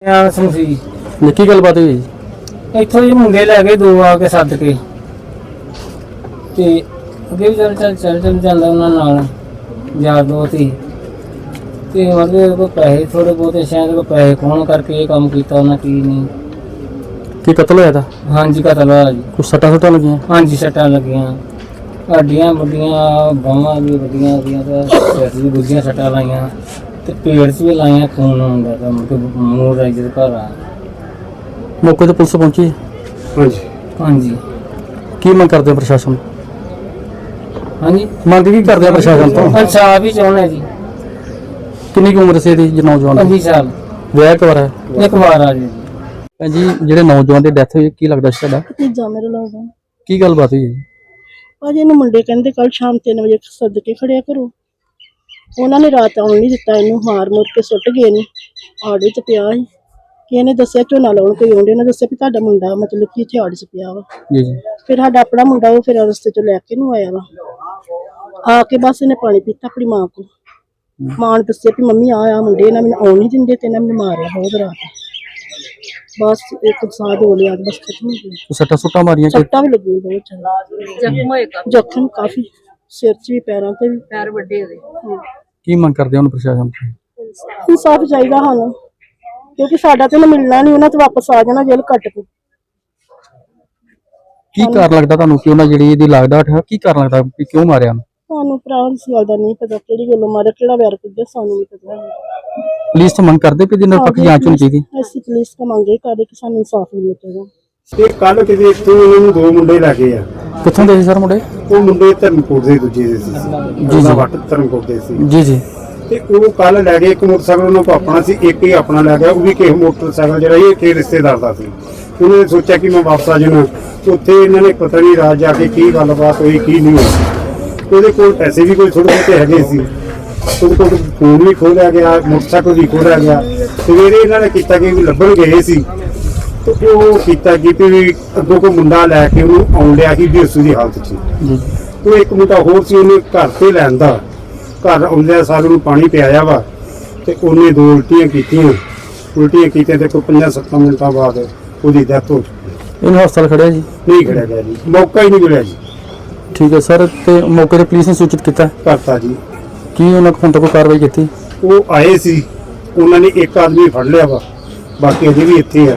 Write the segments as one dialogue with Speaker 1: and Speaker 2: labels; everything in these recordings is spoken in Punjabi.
Speaker 1: ਸਮਝੀ
Speaker 2: ਕੀ ਗੱਲਬਾਤ ਹੋਈ?
Speaker 1: ਇੱਥੋਂ ਹੀ ਮੁੰਡੇ ਲੈ ਕੇ ਦੋ ਆ ਕੇ ਸੱਦ ਕੇ ਤੇ ਅੱਗੇ ਵੀ ਚੱਲ ਜਾਂਦਾ ਉਹਨਾਂ ਨਾਲ ਯਾਰ ਦੋਸਤ ਹੀ ਤੇ ਉਹਦੇ ਕੋਲ ਪੈਸੇ ਥੋੜੇ ਬਹੁਤੇ ਸ਼ਾਇਦ ਕੋਈ ਪੈਸੇ ਖੋਣ ਕਰਕੇ ਇਹ ਕੰਮ ਕੀਤਾ ਉਹਨਾਂ ਕੀ ਨਹੀਂ।
Speaker 2: ਕੀ ਕਤਲ ਹੋਇਆ ਤਾਂ?
Speaker 1: ਹਾਂਜੀ ਕਤਲ ਹੋਇਆ ਜੀ।
Speaker 2: ਕੁਛ ਸੱਟਾਂ ਲੱਗੀਆਂ?
Speaker 1: ਹਾਂਜੀ ਸੱਟਾਂ ਲੱਗੀਆਂ, ਹੱਡੀਆਂ ਵੱਡੀਆਂ, ਬਾਹਾਂ ਵੀ ਵੱਡੀਆਂ ਉਹਦੀਆਂ ਤੇ ਸਿਰ ਵੀ ਦੂਜੀਆਂ ਸੱਟਾਂ ਲਾਈਆਂ ਤੇ ਪੇਟ 'ਚ ਵੀ ਲਾਈਆਂ, ਖੂਨ ਆਉਂਦਾ ਤਾਂ ਮੂੰਹ ਰਾਈ ਦੇ ਘਰ ਆ।
Speaker 2: ਮੌਕੇ ਤੇ ਪੁਲਿਸ ਪਹੁੰਚੀ?
Speaker 1: ਹਾਂਜੀ ਹਾਂਜੀ।
Speaker 2: ਕੀ ਮੰਗ ਕਰਦੇ ਹੋ ਪ੍ਰਸ਼ਾਸਨ?
Speaker 1: ਹਾਂਜੀ
Speaker 2: ਮੰਗ ਕੀ ਕਰਦੇ ਆ ਪ੍ਰਸ਼ਾਸਨ ਤੋਂ?
Speaker 1: ਇਨਸਾਫ ਹੀ ਚਾਹੁੰਦੇ ਜੀ।
Speaker 2: ਕਿੰਨੀ ਕੁ ਉਮਰ ਸੀ ਇਹਦੀ ਨੌਜਵਾਨ?
Speaker 1: 25 ਸਾਲ।
Speaker 2: ਵਿਆਹ ਕਵਰ ਹੈ?
Speaker 1: ਇੱਕ ਵਾਰ ਆ ਜੀ।
Speaker 2: ਭੈਣ ਜੀ ਜਿਹੜੇ ਨੌਜਵਾਨ ਦੀ ਡੈਥ ਹੋਈ ਕੀ ਲੱਗਦਾ ਸੀ ਤੁਹਾਡਾ?
Speaker 3: ਭਤੀਜਾ ਮੇਰੇ ਲੱਗਦਾ।
Speaker 2: ਕੀ ਗੱਲਬਾਤ ਹੋਈ ਜੀ?
Speaker 3: ਭਾਜੀ ਇਹਨੂੰ ਮੁੰਡੇ ਕਹਿੰਦੇ ਕੱਲ ਸ਼ਾਮ 3 ਵਜੇ ਸੱਦ ਕੇ ਖੜਿਆ ਕਰੋ। ਉਹਨਾਂ ਨੇ ਰਾਤ ਆਉਣ ਨਹੀਂ ਦਿੱਤਾ, ਇਹਨੂੰ ਮਾਰ ਮੁੱਕ ਕੇ ਸੁੱਟ ਗਏ ਨੇ। ਆੜੇ 'ਚ ਪਿਆ ਸੀ ਕਿ ਇਹਨੇ ਦੱਸਿਆ ਝੋਨਾ ਲਾਉਣ ਕੋਈ ਆਉਂਦੇ, ਨੇ ਦੱਸਿਆ ਵੀ ਤੁਹਾਡਾ ਮੁੰਡਾ ਮਤਲਬ ਕਿ ਇੱਥੇ ਆੜੇ 'ਚ ਪਿਆ ਵਾ।
Speaker 2: ਜੀ ਜੀ।
Speaker 3: ਫਿਰ ਸਾਡਾ ਆਪਣਾ ਮੁੰਡਾ ਉਹ ਫਿਰ ਰਸਤੇ 'ਚੋਂ ਲੈ ਕੇ ਨੂੰ ਆਇਆ ਵਾ। ਆ ਕੇ ਬਸ ਇਹਨੇ ਪਾਣੀ ਪੀਤਾ ਆਪਣੀ ਮਾਂ ਕੋਲ। ਮਾਂ ਨੇ ਦੱਸਿਆ ਵੀ ਮੰਮੀ ਆ ਮੁੰਡੇ ਇਹਨਾਂ ਮੈਨੂੰ ਆਉਣ ਨਹੀਂ ਦਿੰਦੇ ਤੇ ਇਹਨਾਂ ਮੈਨੂੰ ਮਾਰਿਆ ਬਹੁਤ ਰਾਤ। ਬਸ ਇੱਕ ਸਾਹ ਹੋ ਲਿਆ, ਬਸ ਖਤਮ ਹੋ ਗਿਆ।
Speaker 2: ਸੱਟਾਂ ਮਾਰੀਆਂ?
Speaker 3: ਸੱਟਾਂ ਵੀ ਲੱਗੀਆਂ ਬਹੁਤ ਜ਼ਿਆਦਾ। ਜ਼ਖਮ ਕਾਫੀ ਸਿਰ 'ਚ ਵੀ, ਪੈਰਾਂ ਤੇ ਵੀ, ਪੈਰ ਵੱਡੇ ਹੋਏ।
Speaker 2: ਕੀ ਮੰਗ ਕਰਦੇ ਹੁਣ ਪ੍ਰਸ਼ਾਸਨ ਤੋਂ?
Speaker 3: ਇਨਸਾਫ ਚਾਹੀਦਾ ਸਾਨੂੰ, ਕਿਉਂਕਿ ਸਾਡਾ ਤੇ ਮਿਲਣਾ ਨਹੀਂ, ਉਹਨਾਂ ਤੇ ਵਾਪਸ ਆ ਜਾਣਾ ਜੇਲ੍ਹ ਕੱਟ ਕੇ।
Speaker 2: ਕੀ ਕਾਰਨ ਲੱਗਦਾ ਤੁਹਾਨੂੰ ਕਿ ਉਹਨਾਂ ਜਿਹੜੀ ਇਹਦੀ ਲਾਗਡਾਟ ਹੈ, ਕੀ ਕਾਰਨ ਲੱਗਦਾ ਕਿ ਕਿਉਂ ਮਾਰਿਆ?
Speaker 3: ਸਾਨੂੰ ਭਰਾ ਇਸ ਗੱਲ ਦਾ ਨਹੀਂ ਪਤਾ, ਕਿਹੜੀ ਗੱਲੋਂ ਮਾਰਿਆ, ਕਿਹੜਾ ਵੈਰ ਕੱਢਿਆ, ਸਾਨੂੰ ਨਹੀਂ ਪਤਾ।
Speaker 2: ਪੁਲਿਸ ਤੋਂ ਮੰਗ ਕਰਦੇ ਕਿ ਇਹਦੀ ਨਿਰਪੱਖ ਜਾਂਚ ਹੋਣੀ ਚਾਹੀਦੀ?
Speaker 3: ਅਸੀਂ ਪੁਲਿਸ ਤੋਂ ਮੰਗੇ ਕਰਦੇ ਕਿ ਸਾਨੂੰ ਇਨਸਾਫ ਮਿਲਣਾ ਚਾਹੀਦਾ।
Speaker 4: ਇਹ ਕੱਲ ਕਿਤੇ ਇੱਥੋਂ ਇਹਨਾਂ ਨੂੰ ਦੋ ਮੁੰਡੇ ਲੈ ਗਏ ਆ।
Speaker 2: ਕਿੱਥੋਂ ਦੇ ਸੀ ਸਰ ਮੁੰਡੇ?
Speaker 4: ਉਹ ਮੁੰਡੇ ਧਰਮਕੋਟ ਦੇ ਦੂਜੇ ਦੇ ਸੀ
Speaker 2: ਜੀ ਜੀ।
Speaker 4: ਵੱਟ ਧਰਮਕੋਟ ਦੇ ਸੀ
Speaker 2: ਜੀ ਜੀ।
Speaker 4: ਤੇ ਉਹ ਕੱਲ ਲੈ ਗਏ। ਇੱਕ ਮੋਟਰਸਾਈਕਲ ਉਹਨਾਂ ਕੋਲ ਆਪਣਾ ਸੀ, ਇੱਕ ਹੀ ਆਪਣਾ ਲੈ ਗਿਆ। ਉਹ ਵੀ ਕਿਸੇ ਮੋਟਰਸਾਈਕਲ ਜਿਹੜਾ ਇਹ ਕਿਸੇ ਰਿਸ਼ਤੇਦਾਰ ਦਾ ਸੀ। ਉਹਨਾਂ ਨੇ ਸੋਚਿਆ ਕਿ ਮੈਂ ਵਾਪਸ ਆ ਜਾਣਾ। ਉੱਥੇ ਇਹਨਾਂ ਨੇ ਪਤਾ ਨਹੀਂ ਰਾਤ ਜਾ ਕੇ ਕੀ ਗੱਲਬਾਤ ਹੋਈ ਕੀ ਨਹੀਂ ਹੋਈ। ਉਹਦੇ ਕੋਲ ਪੈਸੇ ਵੀ ਕੋਈ ਥੋੜੇ ਬਹੁਤੇ ਹੈਗੇ ਸੀ। ਉਹਦੇ ਕੋਲ ਫੋਨ ਵੀ ਖੋਹ ਲਿਆ ਗਿਆ, ਮੋਟਰਸਾਈਕਲ ਵੀ ਖੋਹ ਲਿਆ ਗਿਆ। ਸਵੇਰੇ ਇਹਨਾਂ ਨੇ ਕੀਤਾ ਕਿ ਲੱਭਣ ਗਏ ਸੀ ਤੇ ਉਹ ਕੀਤਾ ਕਿ ਵੀ ਅੱਗੋਂ ਕੋਈ ਮੁੰਡਾ ਲੈ ਕੇ ਉਹਨੂੰ ਆਉਣ ਲਿਆ ਸੀ ਬੇਸੂ ਦੀ ਹਾਲਤ 'ਚ। ਉਹ ਇੱਕ ਮੁੰਡਾ ਹੋਰ ਸੀ, ਉਹਨੇ ਘਰ ਤੇ ਲੈਂਦਾ। ਘਰ ਆਉਂਦਿਆਂ ਸਾਰ ਨੂੰ ਪਾਣੀ ਪਿਆਇਆ ਵਾ ਤੇ ਉਹਨੇ ਦੋ ਉਲਟੀਆਂ ਕੀਤੀਆਂ ਤੇ ਕੋਈ 5-7 ਮਿੰਟਾਂ ਬਾਅਦ ਉਹਦੀ ਡੈਥ ਹੋ ਗਈ।
Speaker 2: ਇਹਨੂੰ ਹਸਪਤਾਲ ਖੜਿਆ ਜੀ?
Speaker 4: ਨਹੀਂ ਖੜਿਆ ਗਿਆ ਜੀ, ਮੌਕਾ ਹੀ ਨਹੀਂ ਮਿਲਿਆ ਜੀ।
Speaker 2: ਠੀਕ ਹੈ ਸਰ। ਤੇ ਮੌਕੇ ਤੇ ਪੁਲਿਸ ਨੇ ਸੂਚਿਤ ਕੀਤਾ?
Speaker 4: ਕਰਤਾ ਜੀ।
Speaker 2: ਕੀ ਉਹਨਾਂ ਕੋਲ ਹੁਣ ਤੱਕ ਕੋਈ ਕਾਰਵਾਈ ਕੀਤੀ?
Speaker 4: ਉਹ ਆਏ ਸੀ, ਉਹਨਾਂ ਨੇ ਇੱਕ ਆਦਮੀ ਫੜ ਲਿਆ ਵਾ, ਬਾਕੀ ਅਜੇ ਵੀ ਇੱਥੇ ਆ।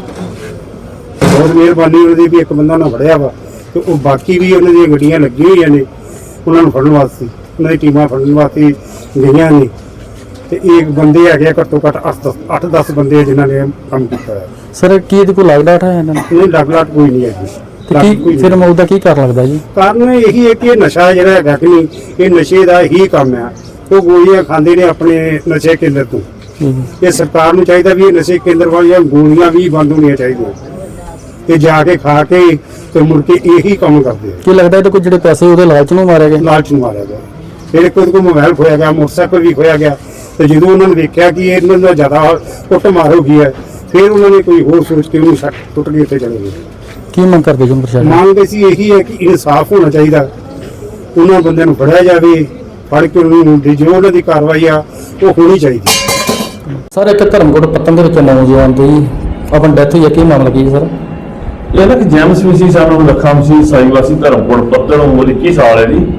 Speaker 4: ਬਹੁਤ ਮਿਹਰਬਾਨੀ ਉਹਦੀ ਵੀ ਇੱਕ ਬੰਦਾ ਉਹਨਾਂ ਫੜਿਆ ਵਾ ਤੇ ਉਹ ਬਾਕੀ ਵੀ ਉਹਨਾਂ ਦੀਆਂ ਗੱਡੀਆਂ ਲੱਗੀਆਂ ਹੋਈਆਂ ਨੇ ਉਹਨਾਂ ਨੂੰ ਫੜਨ ਵਾਸਤੇ। ਉਹਨਾਂ ਦੀ ਟੀਮਾਂ ਫੜਨ ਵਾਸਤੇ ਗਈਆਂ ਨੇ ਤੇ ਇੱਕ ਬੰਦੇ ਹੈਗੇ ਘੱਟੋ ਘੱਟ 8-10 ਬੰਦੇ ਜਿਨ੍ਹਾਂ ਨੇ ਕੰਮ ਕੀਤਾ ਹੈ।
Speaker 2: ਸਰ ਕੀ ਇਹਦੀ ਕੋਈ ਲਾਗਡਾਟ ਹੈ ਇਹਨਾਂ ਨੂੰ?
Speaker 4: ਇਹ ਲੱਗ ਕੋਈ ਨਹੀਂ ਹੈਗੀ।
Speaker 2: ਤੇ ਕੀ ਫਿਰ ਮੌਤ ਦਾ ਕੀ ਕਾਰਨ ਲੱਗਦਾ ਜੀ?
Speaker 4: ਕਾਰਨ ਇਹੀ ਹੈ ਕਿ ਇਹ ਨਸ਼ਾ ਜਿਹੜਾ ਹੈਗਾ ਕਿ ਨਹੀਂ, ਇਹ ਨਸ਼ੇ ਦਾ ਹੀ ਕੰਮ ਆ। ਉਹ ਗੋਲੀਆਂ ਖਾਂਦੇ ਨੇ ਆਪਣੇ ਨਸ਼ੇ ਕੇਂਦਰ ਤੋਂ। ਇਹ ਸਰਕਾਰ ਨੂੰ ਚਾਹੀਦਾ ਵੀ ਇਹ ਨਸ਼ੇ ਕੇਂਦਰ ਵਾਲੀਆਂ ਗੋਲੀਆਂ ਵੀ ਬੰਦ ਹੋਣੀਆਂ ਚਾਹੀਦੀਆਂ ਤੇ ਜਾ ਕੇ ਖਾ ਕੇ ਤੇ ਮੁੜ ਕੇ ਇਹੀ ਕੰਮ ਕਰਦੇ ਆ।
Speaker 2: ਕੀ ਲੱਗਦਾ ਇਹ ਤਾਂ ਕੋਈ ਜਿਹੜੇ ਪੈਸੇ ਉਹਦੇ ਲਾਲਚ ਨੂੰ ਮਾਰਿਆ ਗਿਆ?
Speaker 4: ਲਾਲਚ ਨੂੰ ਮਾਰਿਆ ਗਿਆ। ਫਿਰ ਕੋਈ ਮੋਬਾਈਲ ਖੋਇਆ ਗਿਆ, ਮੋਟਰਸਾਈਕਲ ਵੀ ਖੋਇਆ ਗਿਆ ਤੇ ਜਦੋਂ ਉਹਨਾਂ ਨੇ ਵੇਖਿਆ ਕਿ ਇਹਨਾਂ ਦਾ ਜ਼ਿਆਦਾ ਕੁੱਟ ਮਾਰ ਹੋ ਗਈ ਹੈ ਫਿਰ ਉਹਨਾਂ ਨੇ ਕੋਈ ਹੋਰ ਸੋਚ ਕੇ ਉਹਨੂੰ ਛੱਡ ਟੁੱਟ ਕੇ ਉੱਤੇ ਚਲੇ ਗਏ।
Speaker 2: ਕੀ ਮੰਗ ਕਰਦੇ ਜੀ ਪ੍ਰਸ਼ਾਸਨ?
Speaker 4: ਮੰਗ ਸੀ ਇਹੀ ਹੈ ਕਿ ਇਨਸਾਫ ਹੋਣਾ ਚਾਹੀਦਾ, ਉਹਨਾਂ ਬੰਦਿਆਂ ਨੂੰ ਫੜਿਆ ਜਾਵੇ, ਫੜ ਕੇ ਉਹਨੂੰ ਜੋ ਉਹਨਾਂ ਦੀ ਕਾਰਵਾਈ ਆ ਉਹ ਹੋਣੀ ਚਾਹੀਦੀ।
Speaker 2: ਸਰ ਇੱਕ ਧਰਮਕੋਟ ਪੱਤਨ ਦੇ ਵਿੱਚ ਨੌਜਵਾਨ ਦੀ ਆਪਣੀ ਡੈਥ ਹੋਈ ਹੈ, ਕੀ ਮਾਮਲਾ ਕੀ ਹੈ ਸਰ?
Speaker 5: ਇਹ ਨਾ ਕਿ ਜੈਮਸ ਵੀ ਸੀ, ਸਾਨੂੰ ਲੱਖਾਂ ਸੀ ਸਾਈਵਾਸੀ ਧਰਮਕੋਟ ਪੱਤਣ, ਉਮਰ 21 ਸਾਲ ਹੈ ਜੀ।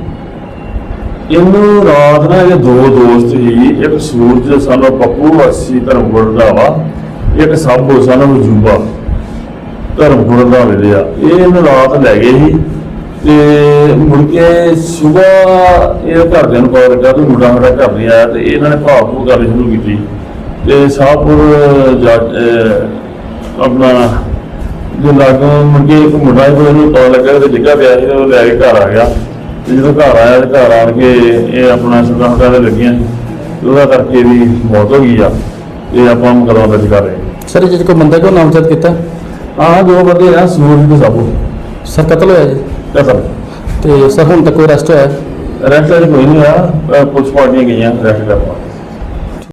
Speaker 5: ਇਹਨੂੰ ਰਾਤ ਨਾ ਇਹ ਦੋ ਦੋਸਤ ਸੀ, ਇੱਕ ਸੂਰਜ ਸਾਨੂੰ ਪੱਪੂ ਵਾਸੀ ਧਰਮਕੋਟ ਦਾ ਵਾ, ਇੱਕ ਸਾਬੋ ਸਾਨੂੰ ਜੂਬਾ ਧਰਮਕੋਟ ਦਾ ਵੇਲੇ ਆ। ਇਹ ਇਹਨੂੰ ਰਾਤ ਲੈ ਗਏ ਸੀ ਤੇ ਮੁੜ ਕੇ ਸੁਬਾਹ ਇਹ ਘਰਦਿਆਂ ਨੂੰ ਕਾਲ ਕੀਤਾ ਤੇ ਮੁੰਡਾ ਸਾਡਾ ਘਰ ਨਹੀਂ ਆਇਆ ਤੇ ਇਹਨਾਂ ਨੇ ਭਾਵ ਗੱਲ ਸ਼ੁਰੂ ਕੀਤੀ ਤੇ ਸਾਹਪੁਰ ਆਪਣਾ ਜੋ ਲਾਗੋਂ ਮੁੜ ਕੇ ਇੱਕ ਮੁੰਡਾ ਹੀ ਉਹਨੂੰ ਪਤਾ ਲੱਗਾ ਤੇ ਡਿੱਗਾ ਪਿਆ ਸੀ, ਉਹ ਲੈ ਕੇ ਘਰ ਆ ਗਿਆ ਤੇ ਜਦੋਂ ਘਰ ਆਇਆ ਤੇ ਘਰ ਆਣ ਕੇ ਇਹ ਆਪਣਾ ਸੁਣਾਉਣਾ ਦੇ ਲੱਗੀਆਂ ਉਹਦਾ ਕਰਕੇ ਇਹਦੀ ਮੌਤ ਹੋ ਗਈ ਆ। ਇਹ ਆਪਾਂ ਮੁਕੱਦਮਾ ਦਰਜ ਕਰ ਰਹੇ ਹਾਂ।
Speaker 2: ਸਰ ਜੇ ਕੋਈ ਬੰਦਾ ਕਿਉਂ ਨਾਮਜ਼ਦ ਕੀਤਾ?
Speaker 5: ਆਹ ਦੋ ਬੰਦੇ ਆ, ਸੂਰਜ ਤੇ ਸਾਬੂ।
Speaker 2: ਸਰ ਕਤਲ ਹੋਇਆ ਜੀ?
Speaker 5: ਕਤਲ।
Speaker 2: ਤੇ ਸਰ ਹੁਣ ਤੱਕ ਕੋਈ ਅਰੈਸਟ ਹੋਇਆ?
Speaker 5: ਅਰੈਸਟ ਕੋਈ ਨਹੀਂ ਹੋਇਆ, ਪੁਲਿਸ ਪਾਰਟੀਆਂ ਗਈਆਂ ਅਰੈਸਟ ਕਰਨ।